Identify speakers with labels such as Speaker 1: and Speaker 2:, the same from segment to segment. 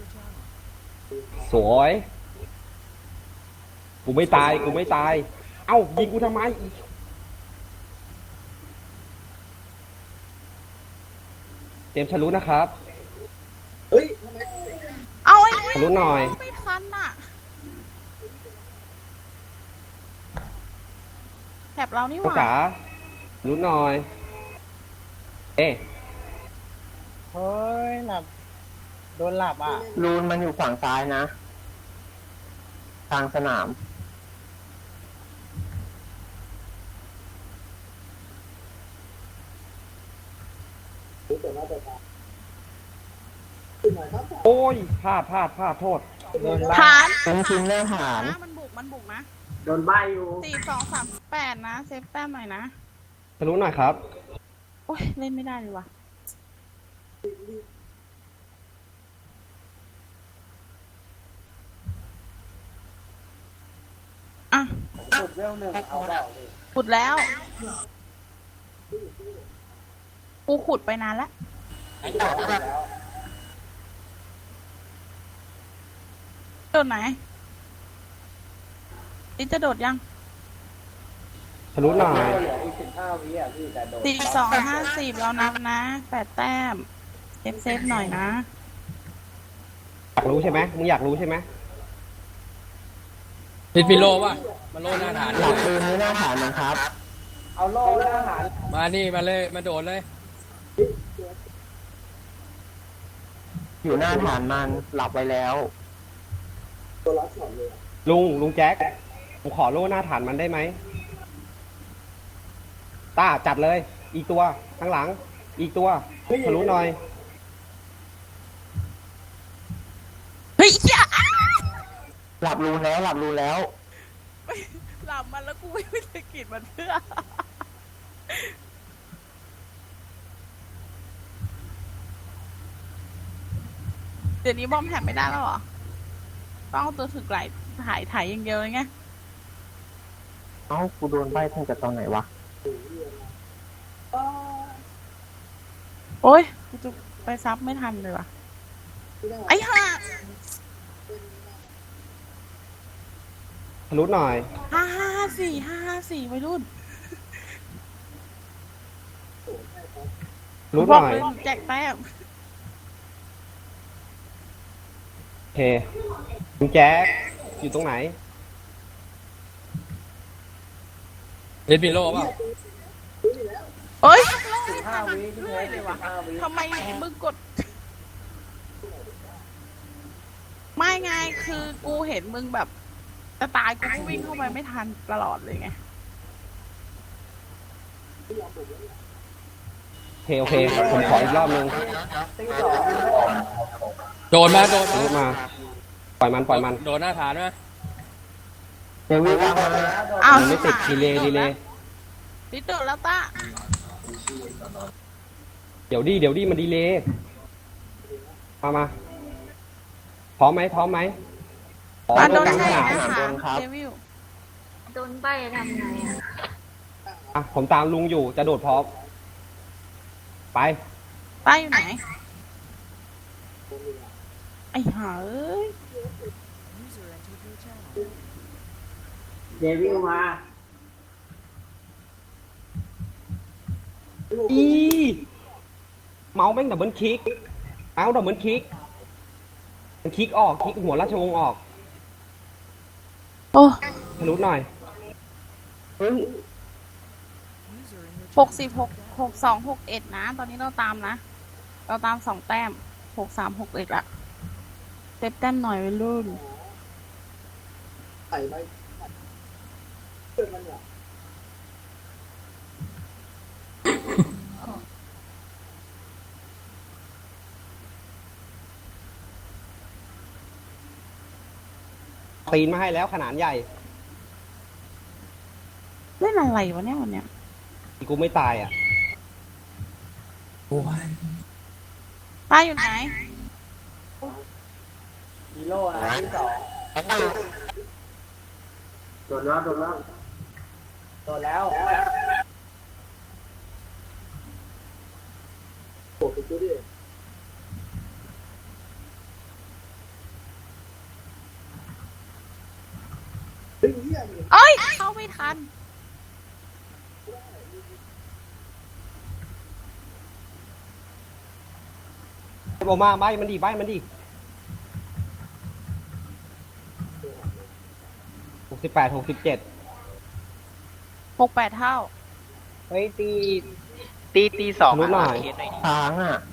Speaker 1: สวยกูไม่ตายกูไม่ตายเอ้ายิงกูทำไมเตรียมฉลุนะครับ
Speaker 2: เอาไอ้
Speaker 1: ฉลุหน่อย
Speaker 2: ไม่ทันอ่ะแถบเรานี่ห
Speaker 1: น้อง
Speaker 2: ว่า
Speaker 1: จ๋าฉลุหน่อยเอ๊ะ
Speaker 3: เฮ้ยหลับโดนหลับอ่ะ
Speaker 4: รูนมันอยู่ฝั่งซ้ายนะทางสนาม
Speaker 1: โอ้ยพลาดโทษ
Speaker 3: โดนบ้า
Speaker 2: ฐาน
Speaker 4: เป็นทีมหน้าฐาน
Speaker 2: นะมันบุกนะ
Speaker 3: โดนใบอยู่
Speaker 2: 4238นะเซฟแต้มหน่อยนะ
Speaker 1: ฉลุหน่อยครับ
Speaker 2: โอ้ยเล่นไม่ได้เลยว่ะอ่ะ
Speaker 3: สุดเวลหนึ่งเอาเปล่าดิ
Speaker 2: ขุดแล้วกูขุดไปนานแล้วโดดไหนนี่จะโดดยัง
Speaker 1: ฉลุหน่อย
Speaker 3: เหลืออีก15 วิอ่ะพี่แต่โดน
Speaker 2: 4250แล้วนับนะ8 แต้มเซฟหน่อยนะ
Speaker 1: อยากรู้ใช่ไหมมึงอยากรู้ใช่ไหม
Speaker 5: ติดฟิโลป่ะมาโลหน้าฐาน
Speaker 4: หลักรูนนี้หน้าฐานนะครับ
Speaker 3: เอาโล่หน้าหาร
Speaker 5: มานี่มาเลยมาโดดเลย
Speaker 4: อยู่หน้าฐานมันหลับไว้แล้ว
Speaker 1: ลุงแจ็คผมขอโล่หน้าฐานมันได้ไหมต้าจัดเลย อีกตัวข้างหลัง อีกตัวฉลุหน่อย
Speaker 2: เฮ้ยอย่า
Speaker 4: หลับรูนแล้วหลับรูนแล้ว
Speaker 2: หลับมันแล้วกูไม่ไปสะกิดมันเพื่อเดี๋ยวนี้บอมแถมไม่ได้แล้วเหรอต้องเอาตัวถึกไหลถ่ายอย่างเดียวเลยไง
Speaker 4: เอ้ากูโดนใบตั้งแต่ตอนไหนวะ
Speaker 2: โอ๊ยกูจะไปซับไม่ทันเลยว่ะไอ้ห่า
Speaker 1: ฉลุหน่อย
Speaker 2: 554วัยรุ่น
Speaker 1: ฉลุ
Speaker 2: บ
Speaker 1: ห
Speaker 2: อก
Speaker 1: น่อย
Speaker 2: เลยแจกแต้ม
Speaker 1: โอเคลุงแจ็คอยู่ตรงไหน
Speaker 5: ติดฟิโลป่ะ
Speaker 2: เอ้ย
Speaker 3: 15 วิพี่
Speaker 2: เรื่
Speaker 3: แท้
Speaker 2: อยเลยว่ะ
Speaker 3: 15 วิ
Speaker 2: ทำไมมึงกด ไม่ไงคือกูเห็นมึงแบบจะตายกูก็วิ่งเข้าไปไม่ทันตลอดเลยไง
Speaker 1: โอเคผมขออีกรอบนึง
Speaker 3: ตีสอง
Speaker 5: โดดมาโดด
Speaker 1: ฉลุมา ปล่อยมัน
Speaker 5: โดดหน้าฐานไหม
Speaker 4: เดวิดวางมา
Speaker 2: อ้าว
Speaker 1: มันไม่ติดดีเลย
Speaker 2: ติดโดดแล้วตา
Speaker 1: เดี๋ยวดิมันดีเลยมาพร้อมไหมพร้อม
Speaker 2: มาโดน
Speaker 1: กลาง
Speaker 2: ใช่
Speaker 1: สนาม
Speaker 2: นะคะเดวิล
Speaker 6: โดนใบทำไงอ่ะ
Speaker 1: อ่ะผมตามลุงอยู่จะโดดพร้อมไป
Speaker 2: ป้าอยู่ไหน ไอ้ห่าเอ้ย
Speaker 3: เดวิลมา
Speaker 1: อีเมาส์แม่งดับเบิลคลิกเอาดับเบิลคลิกมันคลิกออกคลิกหัวราชวงศ์ออก
Speaker 2: โอ้
Speaker 1: ทะลุหน่อย
Speaker 4: เฮ้ย
Speaker 2: 60 62 61นะตอนนี้เราตามนะ เราตาม2 แต้ม63 61ละเซฟแต้มหน่อยวัยรุ่น
Speaker 1: ตีนมาให้แล้วขนาดใหญ่
Speaker 2: เล่นอะไรวะเนี่ยวันเนี้ย
Speaker 1: กูไม่ตายอ่ะ
Speaker 2: ป้าอยู่ไหน
Speaker 3: ฮีโร่นะที่สองโดนแล้วโดนแล้วโดนแล้ว
Speaker 2: เอ้ย เข้าไม่ทัน
Speaker 1: ออกมาใบมันดีใบมันดี68 67
Speaker 2: 68 เท่า
Speaker 3: เฮ้ยตีสอง
Speaker 1: รู้หน่อย
Speaker 3: เคสหน่อยดิ
Speaker 4: ค้างอ่ะ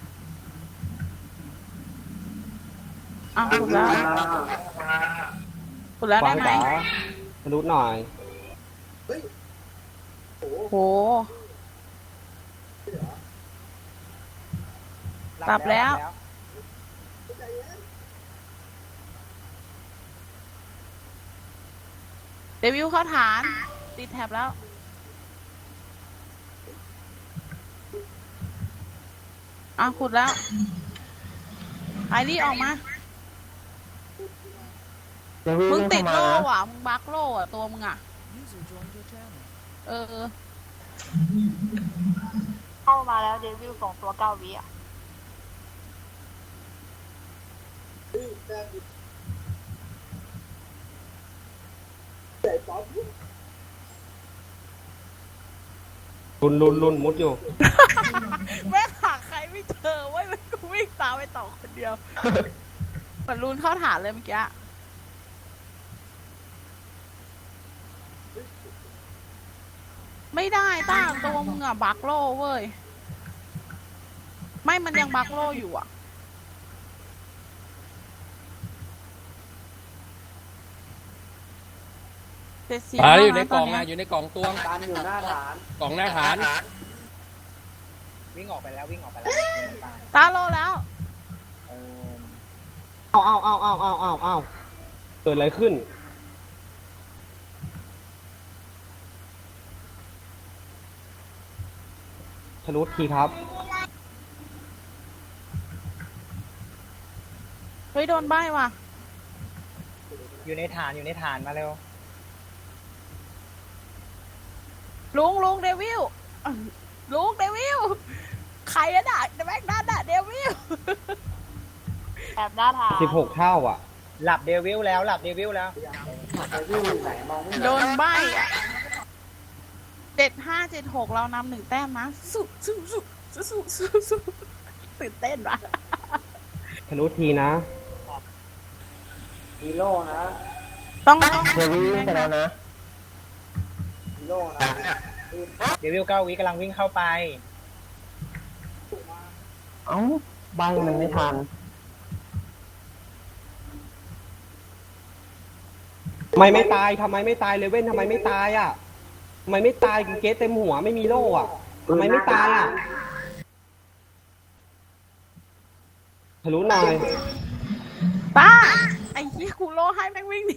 Speaker 2: อ่ะขุดแล้วขุดแล้ว
Speaker 1: ข
Speaker 2: ได้
Speaker 1: วาง
Speaker 2: ไหม
Speaker 1: จ๋าทะลุหน่อย
Speaker 2: โห หลับแล้ว เดวิลเข้าฐาน ติดแท็บแล้ว อ่ะขุดแล้ว ไอรี่ออกมา
Speaker 4: เดี๋ยววิ่ง
Speaker 2: มึง
Speaker 4: ไม่
Speaker 2: ติด
Speaker 4: เข้า
Speaker 2: โล่
Speaker 4: มานะ
Speaker 2: ว่ะ มึงบักโล่อ่ะ ตัวมึงอ่ะ เออ
Speaker 6: เข้ามาแล้วเดวิลส่งตัว9 วิอ่ะ
Speaker 1: ลุนมุดอยู่
Speaker 2: แม่งหาใครไม่เจอเว้ยมันกูวิ่งตามไปต่อคนเดียว เหมือนรูนเข้าฐานเลยเมื่อกี้ ไม่ได้ต้าตัวมึงอะบักโล่เว้ย ไม่มันยังบักโล่อยู่อะเจ็ดสิบ
Speaker 5: อยู่ใน
Speaker 2: แล้วะ
Speaker 5: กล่อง
Speaker 2: ต
Speaker 5: นะ
Speaker 2: น
Speaker 5: อ
Speaker 2: เนี้ย
Speaker 5: ยู่ในกล่องตวง
Speaker 4: ตามอยู่หน้าฐาน
Speaker 5: กล่องหน้าฐาน
Speaker 3: วิ่งออกไปแล้ววิ่งออกไปแล้ว
Speaker 2: ตาโลแล้ว
Speaker 3: เออ
Speaker 1: เอาเกิดอะไรขึ้น ทะลุทีครับ
Speaker 2: เฮ้ยโดนใบ้ว่ะ
Speaker 3: อยู่ในฐานมาเร็ว
Speaker 2: ลุงเดวิลลุงเดวิลใครอะด่ะแม็กนันอะเดวิล
Speaker 6: แอบหน้าทาง
Speaker 1: 16 เท่าอ่ะ
Speaker 3: หลับเดวิลแล้ว
Speaker 2: โดนใบ้อะ7576เรานำ1 แต้มนะสู้ตื่นเต้นว่ะ
Speaker 1: ทะลุทีนะ
Speaker 4: ฮีโร่นะ
Speaker 2: ต้อง
Speaker 4: เดี๋ยววิ่งไปแล้วนะฮีโร่นะ
Speaker 3: เดวิล9 วิกำลังวิ่งเข้าไป
Speaker 4: เอ้าใบมันไม่ทัน
Speaker 1: ทำไมไม่ตายเลเว่นทำไมไม่ตายอ่ะทำไมไม่ตายเกสเต็มหัวไม่มีโล่อ่ะทำไมไม่ตายอ่ะทะลุหน่อย
Speaker 2: ป้าไอ้เหี้ยกูโลให้แม่งวิ่งหนี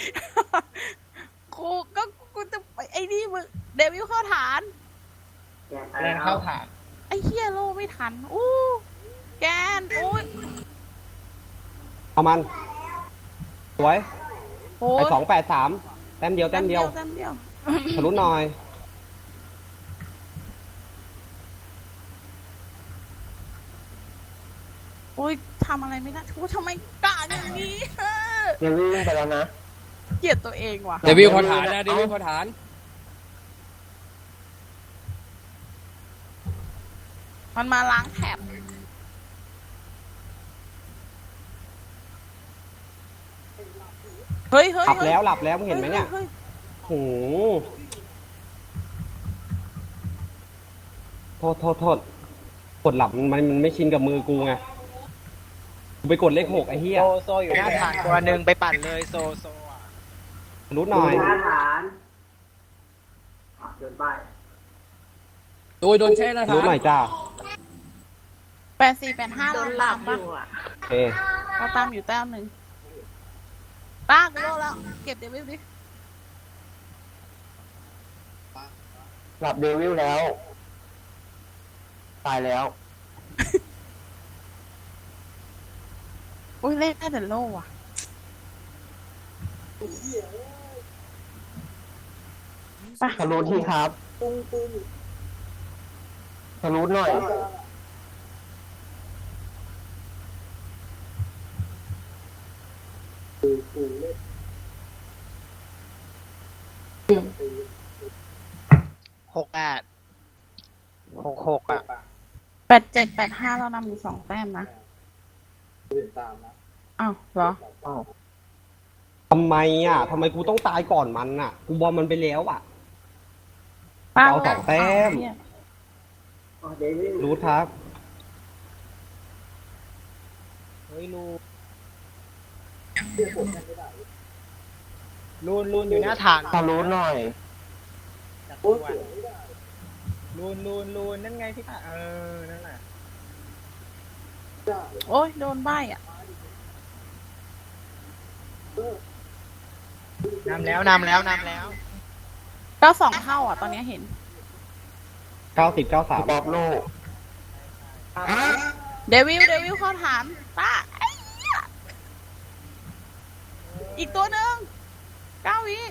Speaker 2: กูจะไปไอ้นี่มึงเดวิลเข้าฐาน
Speaker 3: แรงเข้าฐาน
Speaker 2: ไอ้เหี้ยโลไม่ทัน อู้แกนอุ้ย
Speaker 1: เอามัน สวย
Speaker 2: โอ้
Speaker 1: ไป
Speaker 2: ย
Speaker 1: 283 แต้มเดียว
Speaker 2: แต้มเดียว
Speaker 1: ทะลุหน่อย
Speaker 2: โอ้ยทำอะไรไม่ได้กูทำไมกล้าอย่างนี้
Speaker 4: เดี๋ยววิ่งไปแล้วนะ
Speaker 2: เกลียดตัวเองว่ะ
Speaker 5: เดวิลเข้าฐานนะเดวิลเข้าฐาน
Speaker 2: มันมาล้างแถบเฮ้ย
Speaker 1: หลับแล้วมึงเห็นไหมเนี่ย
Speaker 2: ฮ้
Speaker 1: โหโทษกดหลับมันไม่ชินกับมือกูไงกูไปกดเลข 6ไอ้เหี้ย
Speaker 3: โซอยู่หน้าฐานตัวหนึ่งไปปั่นเลยโซอ่ะ
Speaker 1: ทะลุหน่อย
Speaker 4: เดินไป
Speaker 5: โดยโดนแช่หน้า
Speaker 1: ทะ
Speaker 5: ฐา
Speaker 1: ลุ
Speaker 5: น
Speaker 1: หน่อยจ้า
Speaker 2: 8485
Speaker 6: โด
Speaker 2: เรา
Speaker 6: นหลั
Speaker 2: ตา
Speaker 6: บ
Speaker 2: ม
Speaker 6: อ
Speaker 2: ปะ
Speaker 6: ยู่อ่ะ
Speaker 1: โอเค
Speaker 2: เราตามอยู่แต้มหนึ่งป้ากูโลแล้ว เก็บเดวิลดิ
Speaker 4: หลับเดวิลแล้ว ตายแล้ว
Speaker 2: อุ้ยเล่นได้แต่โล่ว่ะ
Speaker 4: ทะลุที่ครับทะลุหน่อย
Speaker 2: เ
Speaker 3: 68 66อ่ะ
Speaker 2: 8785เรานำอยู่2 แต้มนะอ้าวเหรอ
Speaker 4: อ้าว
Speaker 1: ทำไมอ่ะทำไมกูต้องตายก่อนมันอ่ะ กูบอลมันไปแล้วอ่ะ
Speaker 2: ป้า
Speaker 1: เอา2 แต้ม
Speaker 2: เหี้ย
Speaker 1: รู้ครับ
Speaker 3: เฮ้ยลูนอยู่หน้าฐาน
Speaker 4: ขอรู้หน่อย
Speaker 3: จัดตัวลูนนั่นไงพี่ตานั่นแหละ
Speaker 2: โอ้ยโดนใบอ่ะ
Speaker 3: นำแล้ว
Speaker 2: 92เข้าอ่ะ ตอนนี้เห็น
Speaker 1: 90
Speaker 4: ป๊อ
Speaker 1: 93
Speaker 4: ปโลก
Speaker 2: เดวิลเข้าฐานป้าไอ้เหี้ยอีกตัวหนึ่ง9 วิ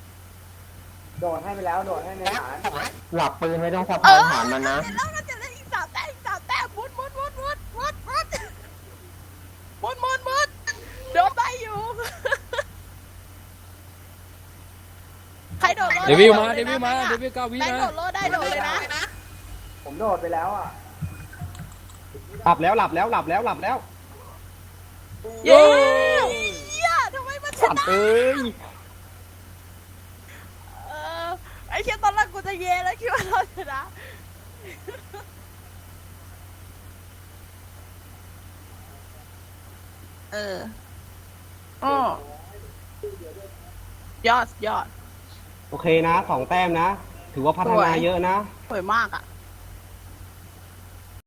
Speaker 4: หลับปืนไม่ต้องสะ
Speaker 2: เอ
Speaker 4: พาย
Speaker 2: อ
Speaker 4: ฐานมันนะ
Speaker 2: แล้วมันจะได้อีก3 แต้มมุดโดนใบอยู่ ใครโดดโล
Speaker 5: เดวิลมา
Speaker 2: ได้
Speaker 5: เดวิลมา เดวิล9 วิ
Speaker 2: แบงค์
Speaker 5: นะ
Speaker 2: โดดโลได้โดดเลยนะ
Speaker 1: หลับแล้ว
Speaker 2: เย้เหี้ยทำไมมันช
Speaker 1: สัต
Speaker 2: นะ
Speaker 1: ว์เอ้ย
Speaker 2: เออไอ้เชี่ยตอนแรกกูจะเย่แล้วคิดว่าเราชนะยอด
Speaker 1: โอเคนะ 2 แต้มนะ ถือว่าพัฒนาเยอะนะ
Speaker 2: สวยมากอ่ะ